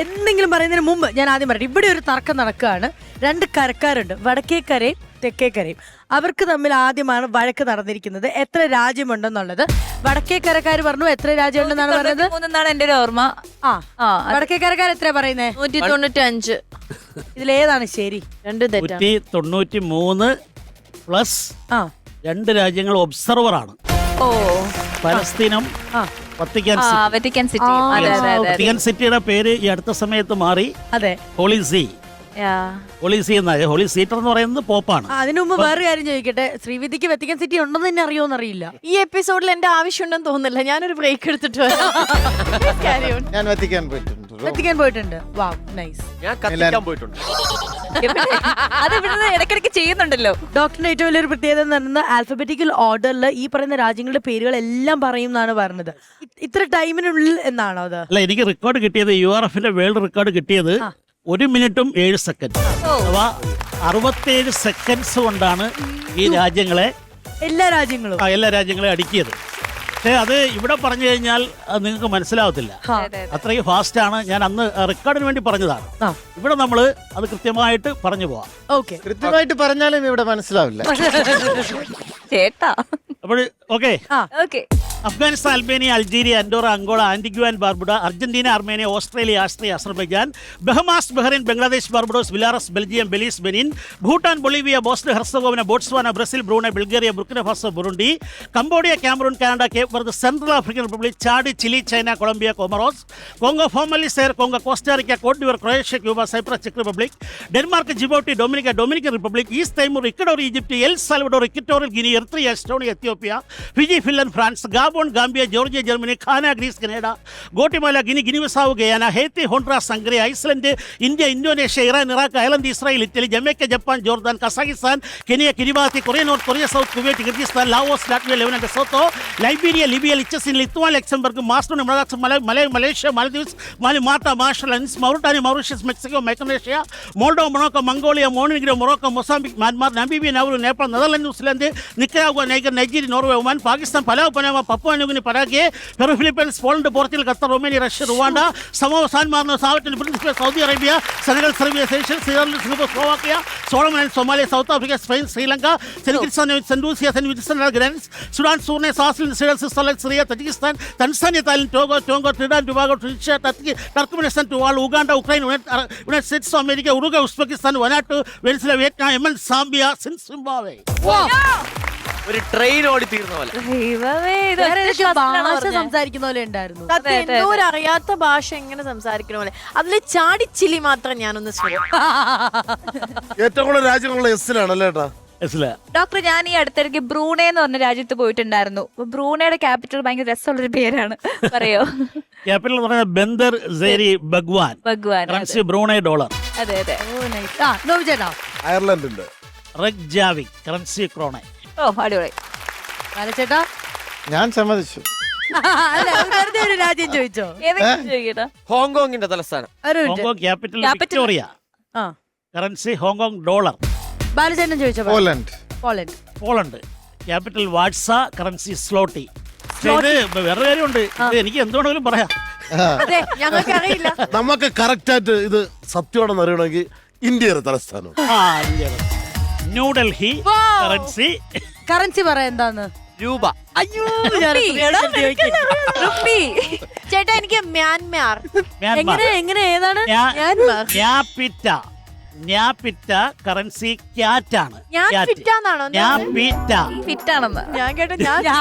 എന്തെങ്കിലും പറയുന്നതിന് മുമ്പ് ഞാൻ ആദ്യം പറയട്ടെ, ഇവിടെ ഒരു തർക്കം നടക്കുകയാണ്. 2 കരക്കാരുണ്ട്, വടക്കേക്കരയും തെക്കേക്കരയും. അവർക്ക് തമ്മിൽ ആദ്യമാണ് വഴക്ക് നടന്നിരിക്കുന്നത് എത്ര രാജ്യമുണ്ടെന്നുള്ളത്. വടക്കേക്കരക്കാർ പറഞ്ഞു എത്ര രാജ്യമുണ്ടെന്നാണ് പറഞ്ഞത്? 3 എന്റെ ഒരു ഓർമ്മ. വടക്കേക്കരക്കാർ എത്ര പറയുന്നേ? 195. ഇതിലേതാണ് ശരി? 2 തെറ്റാണ്. 193 പ്ലസ് 2 രാജ്യങ്ങൾ ഒബ്സർവർ ആണ്. ഓ, പലസ്തീനും വത്തിക്കാൻ വത്തിക്കാൻ സിറ്റി. വത്തിക്കാൻ സിറ്റിയുടെ പേര് ഈ അടുത്ത സമയത്ത് മാറി. അതെ, ഹോളി സീ. ഹോളി സീ എന്നാണ്. ഹോളി സീറ്റർ എന്ന് പറയുന്നത് പോപ്പാണ്. അതിനു മുമ്പ് വേറെ കാര്യം ചോദിക്കട്ടെ, ശ്രീവിദ്യക്ക് വത്തിക്കാൻ സിറ്റി ഉണ്ടെന്ന് തന്നെ അറിയോന്നറിയില്ല. ഈ എപ്പിസോഡിൽ എന്റെ ആവശ്യമുണ്ടെന്ന് തോന്നുന്നില്ല. ഞാനൊരു ബ്രേക്ക് എടുത്തിട്ട് ഞാൻ വത്തിക്കാൻ പോയിട്ടുണ്ട്. വത്തിക്കാൻ പോയിട്ടുണ്ട്. Wow, nice. ഞാൻ കത്തിക്കാൻ പോയിട്ടുണ്ട്. അത് ഇവിടുന്ന് ഇടയ്ക്കിടയ്ക്ക് ചെയ്യുന്നുണ്ടല്ലോ. ഡോക്ടറിന്റെ ഏറ്റവും വലിയൊരു പ്രത്യേകത എന്ന് പറയുന്നത് ആൽഫബറ്റിക്കൽ ഓർഡറിൽ ഈ പറയുന്ന രാജ്യങ്ങളുടെ പേരുകളെല്ലാം പറയും എന്നാണ് പറഞ്ഞത്. ഇത്ര ടൈമിനുള്ളിൽ എന്നാണോ അത്? അല്ല, എനിക്ക് റെക്കോർഡ് കിട്ടിയത് URFന്റെ വേൾഡ് റെക്കോർഡ് കിട്ടിയത് 1 മിനിറ്റും 7 സെക്കൻഡ്. അഥവാ 67 സെക്കൻഡ്സ് കൊണ്ടാണ് ഈ രാജ്യങ്ങളെ എല്ലാ രാജ്യങ്ങളും അടുക്കിയത്. പക്ഷേ അത് ഇവിടെ പറഞ്ഞു കഴിഞ്ഞാൽ അത് നിങ്ങൾക്ക് മനസ്സിലാവത്തില്ല. അത്രയും ഫാസ്റ്റ് ആണ്. ഞാൻ അന്ന് റെക്കോർഡിന് വേണ്ടി പറഞ്ഞതാണ്. ഇവിടെ നമ്മൾ അത് കൃത്യമായിട്ട് പറഞ്ഞു പോവാം. ഓക്കെ, കൃത്യമായിട്ട് പറഞ്ഞാലും ഇവിടെ മനസ്സിലാവില്ല ചേട്ടാ. അപ്പോൾ okay. Okay. Afghanistan, Albania, Algeria, Andorra, Angola, Antigua and Barbuda, Argentina, Armenia, Australia, Austria, Azerbaijan, Bahamas, Bahrain, Bangladesh, Barbados, Belarus, Belgium, Belize, Benin, Bhutan, Bolivia, Bosnia Herzegovina, Botswana, Brazil, Brunei, Bulgaria, Burkina Faso, Burundi, Cambodia, Cameroon, Canada, Cape Verde, Central African Republic, Chad, Chile, China, Colombia, Comoros, Congo, formerly Zaire, Congo, Costa Rica, Cote d'Ivoire, Croatia, Cuba, Cyprus, ചെക്ക് Republic, Denmark, Djibouti, Dominican Republic, East Timor, Ecuador, Egypt, L Salvador, Equatorial Guinea, Eritrea, Estonia, Ethiopia, Fiji, Finland, France, Gabon, Gambia, Georgia, Germany, Ghana, Greece, Grenada, Guatemala, Guinea Bissau, Guyana, Haiti, Honduras, Hungary, Iceland, India, Indonesia, Iran, Iraq, Ireland, Israel, Italy, Jamaica, Japan, Jordan, Kazakhstan, Kenya, Kiribati, Korea North, Korea South, Kuwait, Kyrgyzstan, Laos, Latvia, Lebanon, Lesotho, Liberia, Libya, ലിച്ചസിൻ, Lithuania, Luxembourg, Macedonia, Malaysia, Maldives, Malta, Marshall Islands, Mauritania, Mauritius, Mexico, Micronesia, Moldova, Morocco, Mongolia, Montenegro, Morocco, Mozambique, Myanmar, Namibia, Nauru, Nepal, Netherlands, New Zealand, Nicaragua, Niger, Nigeria, Norway, Oman, Pakistan, Palau, Panama, Papua New Guinea, Paraguay, Peru, Philippines, Poland, Portugal, Qatar, Romania, Russia, Rwanda, Samoa, San Marino, Sao Tome and, Principe, Saudi Arabia, Senegal, Serbia, Seychelles, Switzerland, Singapore, Slovakia, Solomon, Somalia, South Africa, Spain, Sri Lanka, Saint Kitts and, Saint Lucia, Saint Vincent, Grenadines, Sudan, Suriname, Swaziland, Switzerland, Syria, Tajikistan, Tanzania, Thailand, Togo, Trinidad, Tobago, Tunisia, Turkmenistan, Tuvalu, Uganda, Ukraine, United States of America, Uruguay, Uzbekistan, വനാട്ടു, Venezuela, Vietnam, Yemen, Zambia, Zimbabwe. ഒരു train ഓടി തീർന്ന പോലെ. ഭാഷ സംസാരിക്കുന്ന പോലെ ഉണ്ടായിരുന്നു. എന്തോ ഒരു അറിയാത്ത ഭാഷ എങ്ങനെ സംസാരിക്കണ പോലെ. അതില് ചാടിച്ചില്ലി മാത്രം ഞാനൊന്ന് ഏറ്റവും കൂടുതൽ രാജ്യങ്ങളുള്ള എസ്സിലാണല്ലേ ഏട്ടാ? ഡോക്ടർ, ഞാൻ ഈ അടുത്തിടയ്ക്ക് ബ്രൂണെ എന്ന് പറഞ്ഞ രാജ്യത്ത് പോയിട്ടുണ്ടായിരുന്നു. ബ്രൂണയുടെ ക്യാപിറ്റൽ ഭയങ്കര രസമുള്ളൊരു പേരാണ്, പറയോ? ക്യാപിറ്റൽ എന്ന് പറയുന്നത് Bandar Seri Begawan. Currency Brunei dollar. അതെ അതെ. ചേട്ടാ, അയർലൻഡ് ഉണ്ട്. റെക്ജാവിക്, കറൻസി ക്രോണൈ. ഓ, അടിപൊളി. ചേട്ടാ, ഞാൻ സമ്മതിച്ചു. വെറുതെ ഒരു രാജ്യം ചോദിച്ചോ? ചോദിക്കട്ടാ. ഹോങ്കോങ്ങിന്റെ തലസ്ഥാനം. Hong Kong capital Victoria. Currency Hong Kong dollar. ബാലചേട്ടൻ ചോദിച്ചോ? Poland. Capital Warsaw, currency zloty. ഇത് വേറെ കാര്യമുണ്ട്, ഇത് എനിക്ക് എന്തുകൊണ്ടെങ്കിലും പറയാം. അതെ, ഞങ്ങൾക്ക് അറിയില്ല. നമുക്ക് കറക്റ്റ് ആയിട്ട് ഇത് സത്യമാണെന്ന് അറിയണമെങ്കിൽ ഇന്ത്യയുടെ തലസ്ഥാനം ന്യൂഡൽഹി. കറൻസി പറയാ എന്താന്ന്? രൂപ. ചേട്ടാ, എനിക്ക് മ്യാൻമാർ. എങ്ങനെ ഏതാണ്? ന്യാപിറ്റ കറൻസി ക്യാറ്റ് ആണ്. ഞാൻ കേട്ടോ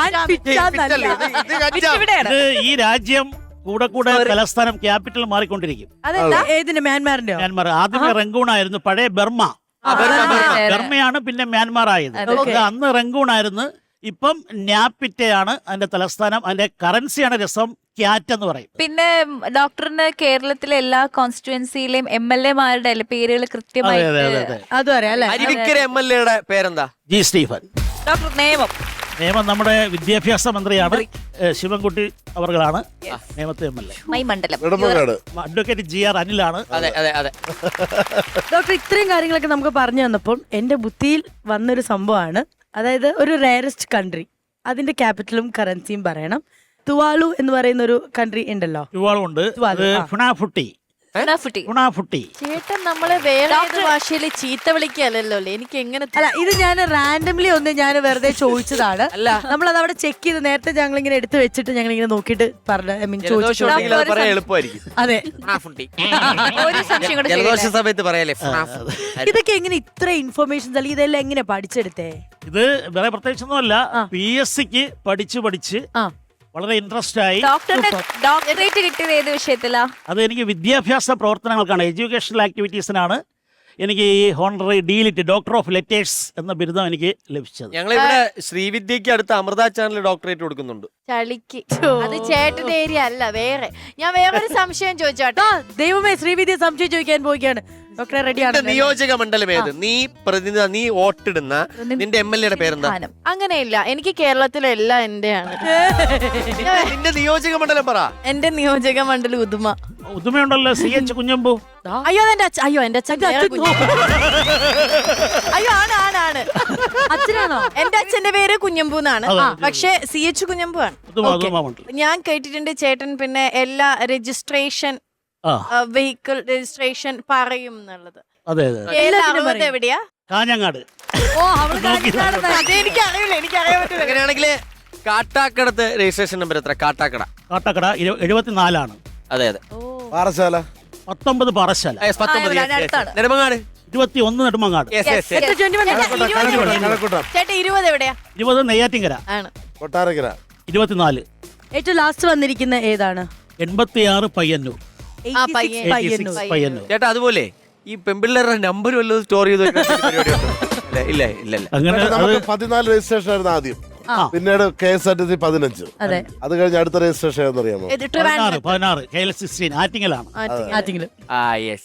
ഈ രാജ്യം കൂടെ തലസ്ഥാനം ക്യാപിറ്റൽ മാറിക്കൊണ്ടിരിക്കും. ഏതിന്? മ്യാൻമാറിന്റെ. മ്യാൻമാർ ആദ്യമേ റംഗൂൺ ആയിരുന്നു, പഴയ ബർമ്മ. ബർമ്മയാണ് പിന്നെ മ്യാൻമാർ ആയത്. അന്ന് റംഗൂൺ ആയിരുന്നു, ഇപ്പം ന്യാപിറ്റയാണ് അതിന്റെ തലസ്ഥാനം. അതിന്റെ കറൻസിയാണ് രസം, ക്യാറ്റ് എന്ന് പറയും. പിന്നെ ഡോക്ടറിന് കേരളത്തിലെ എല്ലാ കോൺസ്റ്റിറ്റ്യുവൻസിയിലെയും MLA മാരുടെ പേരുകൾ കൃത്യമായി അതും അറിയാം അല്ലെ? അരുവിക്കര MLA പേരെന്താ? G Stephen. ഡോക്ടർ നിയമം നമ്മുടെ വിദ്യാഭ്യാസ മന്ത്രിയാണ്, ശിവൻകുട്ടി അവർകളാണ് നിയമത്തെ MLA. മൈ മണ്ഡലം അഡ്വക്കേറ്റ് GR അനിലാണ്. ഡോക്ടർ, ഇത്രയും കാര്യങ്ങളൊക്കെ നമുക്ക് പറഞ്ഞു തന്നപ്പോൾ എന്റെ ബുദ്ധിയിൽ വന്നൊരു സംഭവമാണ്. അതായത് ഒരു റയറസ്റ്റ് കൺട്രി, അതിന്റെ ക്യാപിറ്റലും കറൻസിയും പറയണം. തുവാലു എന്ന് പറയുന്ന ഒരു കൺട്രി ഉണ്ടല്ലോ. തുവാലു ഉണ്ട്. ഫുനാഫുട്ടി ഉണാഫുട്ടി. ഗുണാഫുട്ടി. ചേട്ടൻ നമ്മളെ വേറെ ഏത് ഭാഷയിൽ ചീത്ത വിളിക്കല്ലോ അല്ലേ? എനിക്ക് എങ്ങനെ അല്ല ഇത് ഞാൻ റാൻഡംലി ഒന്ന് ഞാൻ വെറുതെ ചോദിച്ചതാണ്. അല്ല. നമ്മളത് അവിടെ ചെക്ക് ചെയ്ത് നേരത്തെ ഞങ്ങൾ ഇങ്ങനെ എടുത്ത് വെച്ചിട്ട് ഞങ്ങൾ ഇങ്ങനെ നോക്കിയിട്ട് പറഞ്ഞു ഐ മീൻ ജലദോഷം ചോദിച്ചു. ഉണ്ടെങ്കിൽ അത് പറയാൻ എളുപ്പമായിരിക്കും. അതെ ഒരു സംശയം കൂടെ ജലദോഷ ചോദിക്കട്ടെ? സമയത്ത് പറയാലേ ഇതൊക്കെ എങ്ങനെ ഇത്ര ഇൻഫർമേഷൻസ് അല്ലെങ്കിൽ ഇതെല്ലാം എങ്ങനെ പഠിച്ചെടുത്തേ? ഇത് വേറെ പ്രത്യേകിച്ചൊന്നുമല്ല, PSCക്ക് പഠിച്ച് ആ വളരെ ഇൻട്രസ്റ്റ് ആയി. ഡോക്ടറേറ്റ് കിട്ടിയത് ഏത് വിഷയത്തിലാ? അത് എനിക്ക് വിദ്യാഭ്യാസ പ്രവർത്തനങ്ങൾക്കാണ്, എഡ്യൂക്കേഷണൽ ആക്ടിവിറ്റീസിനാണ് എനിക്ക് ഈ honorary DLitt doctor of letters എന്ന ബിരുദം എനിക്ക് ലഭിച്ചത്. ഞങ്ങളിവിടെ ശ്രീവിദ്യക്ക് അടുത്ത് അമൃത ചാനൽ ഡോക്ടറേറ്റ് കൊടുക്കുന്നുണ്ട്. ചളിക്ക് അത് ചേട്ടന്റെ ഏരിയ അല്ല വേറെ. ഞാൻ വേറൊരു സംശയം ചോദിച്ചോട്ടോ. ദൈവമേ ശ്രീവിദ്യ സംശയം ചോദിക്കാൻ പോവുകയാണ്. ഡോക്ടറെ റെഡിയാണ്. നിയോജക മണ്ഡലം ഏത്? നീ വോട്ടിടുന്ന നിന്റെ MLA പേരെന്താ? അങ്ങനെയില്ല, എനിക്ക് കേരളത്തിലെല്ലാം എന്റെയാണ്. നിന്റെ നിയോജക മണ്ഡലം പറ. എന്റെ നിയോജക മണ്ഡലം ഉദുമ. ഉദുമയുണ്ടല്ലോ, CH കുഞ്ഞമ്പു. അയ്യോ എന്റെ അച്ഛൻ, അയ്യോ എന്റെ അച്ഛൻ വേറെ കുഞ്ഞമ്പു. അയ്യോ ആണ് അച്ഛനാണോ? എന്റെ അച്ഛന്റെ പേര് കുഞ്ഞമ്പു എന്നാണ്, അതെ. പക്ഷെ CH കുഞ്ഞമ്പു ആണ്. ഉദുമ മണ്ഡലം. ഞാൻ കേട്ടിട്ടുണ്ട് ചേട്ടൻ പിന്നെ എല്ലാ രജിസ്ട്രേഷൻ ആ വെഹിക്കിൾ രജിസ്ട്രേഷൻ പറയും എന്നുള്ളത്. അതെ. എല്ലാത്തിനും പറയും. എവിടെയാ? കാഞ്ഞങ്ങാട്. ഓ അവള് കാണിക്കാണെന്ന്. അതെനിക്കറിയില്ല, എനിക്കറിയാൻ പറ്റില്ല. അങ്ങനെയാണെങ്കിൽ കാട്ടാക്കടത്ത് രജിസ്ട്രേഷൻ നമ്പർ എത്ര? കാട്ടാക്കട. കാട്ടക്കട 74 അതെ. പാറശാല 19 പാറശാല. 19. ഇവിടെ അടുത്താണ്. Nedumangad. 21 Nedumangad. Yes, yes, yes. എത്ര 21? കഴക്കൂട്ടം ചേട്ടാ 20 എവിടെയാ? 20 നെയ്യാറ്റിങ്കര. ആണ്. കൊട്ടാരക്കര 24. ഏറ്റവും ലാസ്റ്റ് വന്നിരിക്കുന്ന ഏതാണ്? 86 പയ്യന്നൂർ. 86 പയ്യന്നൂർ. പയ്യന്നൂർ. ചേട്ടാ അതുപോലെ ഈ പെമ്പിള്ളേരുടെ നമ്പർ വല്ലതും സ്റ്റോർ ചെയ്ത് വെക്കുന്ന പരിപാടിയുണ്ടോ? ഇല്ല. അങ്ങനെ നമുക്ക് 14 രജിസ്ട്രേഷൻ ആയിരുന്നു ആദ്യം, പിന്നീട് KSRTC 15. അതെ അത് കഴിഞ്ഞ് അടുത്ത രജിസ്ട്രേഷൻ ഏതെന്നറിയാമോ? 16 KL16 ആറ്റിങ്ങലാണ്. ആറ്റിങ്ങലും. യെസ്.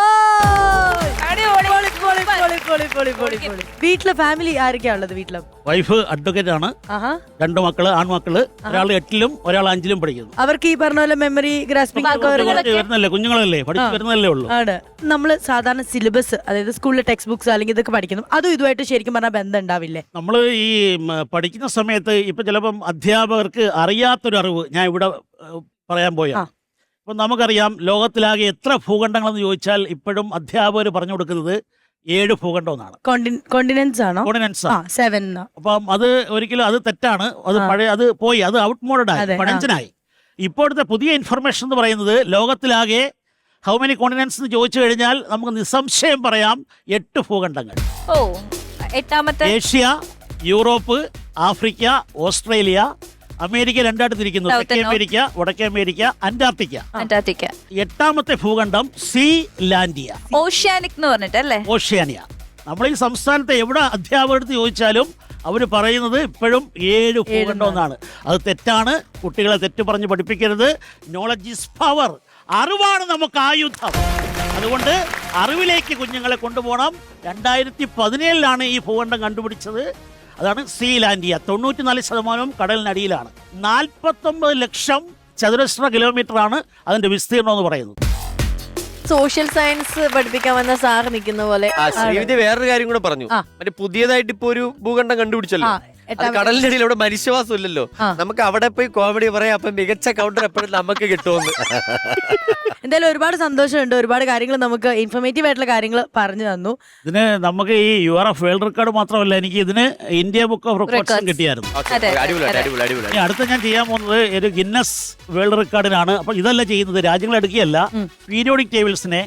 വീട്ടിലെ ഫാമിലി ആരൊക്കെയാ ഉള്ളത്? വീട്ടിലും വൈഫ് അഡ്വക്കേറ്റ് ആണ്. ആഹാ 2 മക്കള്, ആൺമക്കള്. ഒരാൾ 8ലും ഒരാൾ 5ലും പഠിക്കുന്നു. അവർക്ക് ഈ പറഞ്ഞ പോലെ മെമ്മറി ഗ്രാസ്പിംഗ് ഒക്കെ കുറച്ച് വരുന്നല്ലേ, കുഞ്ഞുങ്ങളല്ലേ, പഠിച്ചു വരുന്നല്ലേ ഉള്ളൂ. ആണ്. നമ്മള് സാധാരണ സിലബസ്, അതായത് സ്കൂളിലെ ടെക്സ്റ്റ് ബുക്സ് അല്ലെങ്കിൽ ഇതൊക്കെ പഠിക്കുന്നു, അതും ഇതുമായിട്ട് ശരിക്കും പറഞ്ഞാൽ ബന്ധം ഉണ്ടാവില്ലേ? നമ്മൾ ഈ പഠിക്കുന്ന സമയത്ത് ഇപ്പൊ ചിലപ്പം അധ്യാപകർക്ക് അറിയാത്തൊരു അറിവ് ഞാൻ ഇവിടെ പറയാൻ പോയ. ഇപ്പൊ നമുക്കറിയാം ലോകത്തിലാകെ എത്ര ഭൂഖണ്ഡങ്ങളെന്ന് ചോദിച്ചാൽ ഇപ്പോഴും അധ്യാപകർ പറഞ്ഞു കൊടുക്കുന്നത് 7 ഭൂഖണ്ഡം എന്നാണ്. കോണ്ടിനെന്റ്സ് ആണോ? കോണ്ടിനെന്റ്സ്. 7. അപ്പം അത് ഒരിക്കലും അത് തെറ്റാണ്. അത് പഴയ അത് പോയി, അത് ഔട്ട് മോഡായി, പഴഞ്ചനായി. ഇപ്പോഴത്തെ പുതിയ ഇൻഫർമേഷൻ എന്ന് പറയുന്നത് ലോകത്തിലാകെ ഹൗ മെനി കോണ്ടിനെന്റ്സ് എന്ന് ചോദിച്ചു കഴിഞ്ഞാൽ നമുക്ക് നിസ്സംശയം പറയാം 8 ഭൂഖണ്ഡങ്ങൾ. ഓ, എട്ടാമത്തെ. Asia, Europe, Africa, Australia, America രണ്ടായിട്ട് തിരിക്കുന്നു. തെക്കേ അമേരിക്ക, വടക്കേ അമേരിക്ക, അന്റാർട്ടിക്ക. അന്റാർട്ടിക്ക. 8ാമത്തെ ഭൂഖണ്ഡം സീലാൻഡിയ, ഓഷ്യാനിക് എന്ന് പറഞ്ഞിട്ടല്ലേ? ഓഷ്യാനിയ. നമ്മൾ ഈ സംസ്ഥാനത്തെ എവിടെ അധ്യാപകരെടുത്ത് ചോദിച്ചാലും അവർ പറയുന്നത് ഇപ്പോഴും 7 ഭൂഖണ്ഡം എന്നാണ്. അത് തെറ്റാണ്. കുട്ടികളെ തെറ്റ് പറഞ്ഞ് പഠിപ്പിക്കരുത്. Knowledge is power. അറിവാണ് നമുക്ക് ആയുധം. അതുകൊണ്ട് അറിവിലേക്ക് കുഞ്ഞുങ്ങളെ കൊണ്ടുപോകണം. 2017 ഈ ഭൂഖണ്ഡം കണ്ടുപിടിച്ചത്. അതാണ് സീലാൻഡിയ. 94% കടലിനടിയിലാണ്. 49 ലക്ഷം ചതുരശ്ര കിലോമീറ്ററാണ് അതിന്റെ വിസ്തീർണം എന്ന് പറയുന്നത്. സോഷ്യൽ സയൻസ് പഠിപ്പിക്കാൻ വന്ന സാർ നിൽക്കുന്ന പോലെ. ശ്രീവിദ്യ വേറൊരു കാര്യം കൂടെ പറഞ്ഞു. മറ്റേ പുതിയതായിട്ട് ഇപ്പൊ ഒരു ഭൂഖണ്ഡം കണ്ടുപിടിച്ചല്ലോ. അത് കടലിന്റെ അടിയിൽ അവിടെ മനുഷ്യവാസം ഇല്ലല്ലോ. നമുക്ക് അവിടെ പോയി കോമഡി പറയാം. അപ്പൊ മികച്ച കൗണ്ടർ എപ്പോഴും നമുക്ക് കിട്ടുമെന്ന്. എന്തായാലും ഒരുപാട് സന്തോഷമുണ്ട്. ഒരുപാട് കാര്യങ്ങൾ നമുക്ക് ഇൻഫോർമേറ്റീവ് ആയിട്ടുള്ള കാര്യങ്ങൾ പറഞ്ഞു തന്നു. ഇതിന് നമുക്ക് ഈ URF വേൾഡ് റെക്കോർഡ് മാത്രമല്ല, എനിക്ക് ഇതിന് ഇന്ത്യ ബുക്ക് ഓഫ് റെക്കോർഡ്സും കിട്ടിയായിരുന്നു. ഇനി അടുത്ത ഞാൻ ചെയ്യാൻ പോകുന്നത് ഒരു ഗിന്നസ് വേൾഡ് റെക്കോർഡിനാണ്. അപ്പൊ ഇതല്ല ചെയ്യുന്നത്, രാജ്യങ്ങൾ എടുക്കുകയല്ല, പീരിയോഡിക് ടേബിൾസിനെ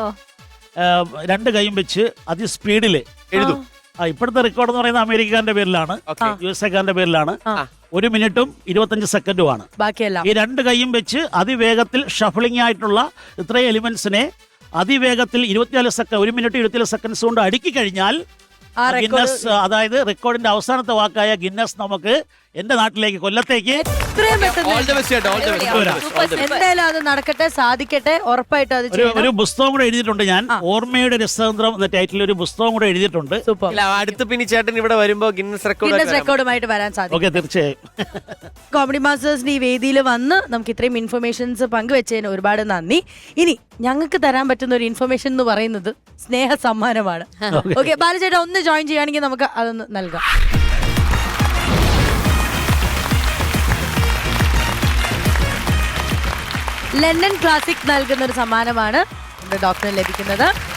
2 കൈയും വെച്ച് അതിസ്പീഡില് എഴുതും. ഇപ്പോഴത്തെ റെക്കോർഡ് എന്ന് പറയുന്നത് അമേരിക്കക്കാരന്റെ പേരിലാണ്, USA പേരിലാണ്. 1 മിനിറ്റും 25 സെക്കൻഡുമാണ് ബാക്കിയെല്ലാം. ഈ 2 കൈയും വെച്ച് അതിവേഗത്തിൽ ഷഫിളിംഗ് ആയിട്ടുള്ള ഇത്രയും എലിമെന്റ്സിനെ അതിവേഗത്തിൽ 24 സെക്കൻഡ് 1 മിനിറ്റ് 24 സെക്കൻഡ്സ് കൊണ്ട് അടുക്കി കഴിഞ്ഞാൽ ഗിന്നസ്, അതായത് റെക്കോർഡിന്റെ അവസാനത്തെ വാക്കായ ഗിന്നസ് നമുക്ക് എന്റെ നാട്ടിലേക്ക്, കൊല്ലത്തേക്ക് എന്തായാലും അത് നടക്കട്ടെ, സാധിക്കട്ടെ, ഉറപ്പായിട്ടും അത് ഒരു പുസ്തകം കൂടെ എഴുതിയിട്ടുണ്ട് ഞാൻ. ഓർമ്മയുടെ രസതന്ത്രം എന്ന ടൈറ്റിൽ ഒരു പുസ്തകം കൂടെ എഴുതിയിട്ടുണ്ട്. സൂപ്പർ. അടുത്ത പിന്നെ ചേട്ടൻ ഇവിടെ വരുമ്പോ ഗിന്നസ് റെക്കോർഡുമായിട്ട് വരാൻ സാധിക്കും. ഓക്കെ, തീർച്ചയായും. കോമഡി മാസ്റ്റേഴ്സിന്റെ ഈ വേദിയിൽ വന്ന് നമുക്ക് ഇത്രയും ഇൻഫർമേഷൻസ് പങ്കുവെച്ചതിന് ഒരുപാട് നന്ദി. ഇനി ഞങ്ങൾക്ക് തരാൻ പറ്റുന്ന ഒരു ഇൻഫർമേഷൻ എന്ന് പറയുന്നത് സ്നേഹ സമ്മാനമാണ്. ഓക്കെ, ബാലചേട്ടാ ഒന്ന് ജോയിൻ ചെയ്യുകയാണെങ്കിൽ നമുക്ക് അതൊന്ന് നൽകാം. ലണ്ടൻ ക്ലാസിക് നൽകുന്ന ഒരു സമ്മാനമാണ് ഡോക്ടറിന് ലഭിക്കുന്നത്.